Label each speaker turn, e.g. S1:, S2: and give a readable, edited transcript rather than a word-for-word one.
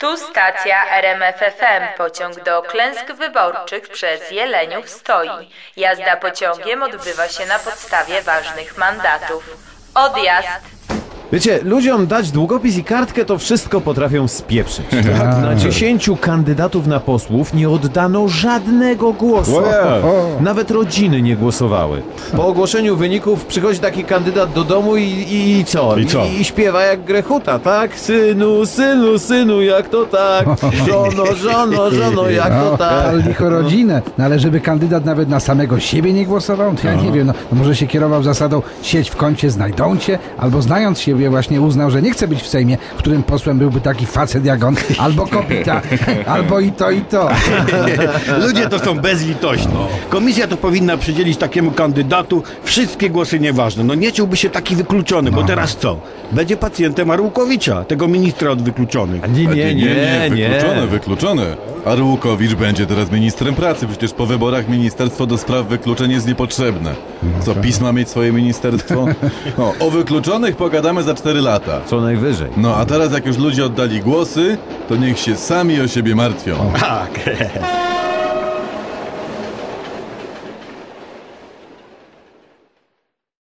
S1: Tu stacja RMFFM. Pociąg do klęsk wyborczych przez Jeleniów stoi. Jazda pociągiem odbywa się na podstawie ważnych mandatów. Odjazd.
S2: Wiecie, ludziom dać długopis i kartkę, to wszystko potrafią spieprzyć. Tak? Na 10 kandydatów na posłów nie oddano żadnego głosu. Nawet rodziny nie głosowały. Po ogłoszeniu wyników przychodzi taki kandydat do domu i co? I śpiewa jak Grechuta, tak? Synu, synu, synu, jak to tak? Żono, żono, żono, jak to tak?
S3: Ale licho rodzinę. No ale żeby kandydat nawet na samego siebie nie głosował? To ja nie wiem, no może się kierował zasadą sieć w kącie znajdą cię, albo znając siebie właśnie uznał, że nie chce być w Sejmie, w którym posłem byłby taki facet jak on, albo kopita, albo i to, i to.
S4: Ludzie to są bezlitośni. Komisja to powinna przydzielić takiemu kandydatu wszystkie głosy nieważne. No nie czułby się taki wykluczony, bo teraz co? Będzie pacjentem Arłukowicza, tego ministra od wykluczonych.
S5: Nie. Wykluczone. Arłukowicz będzie teraz ministrem pracy. Przecież po wyborach Ministerstwo do Spraw Wykluczeń jest niepotrzebne. Co, PiS ma mieć swoje ministerstwo? No, o wykluczonych pogadamy za 4 lata.
S2: Co najwyżej.
S5: No, a teraz jak już ludzie oddali głosy, to niech się sami o siebie martwią.
S4: Tak.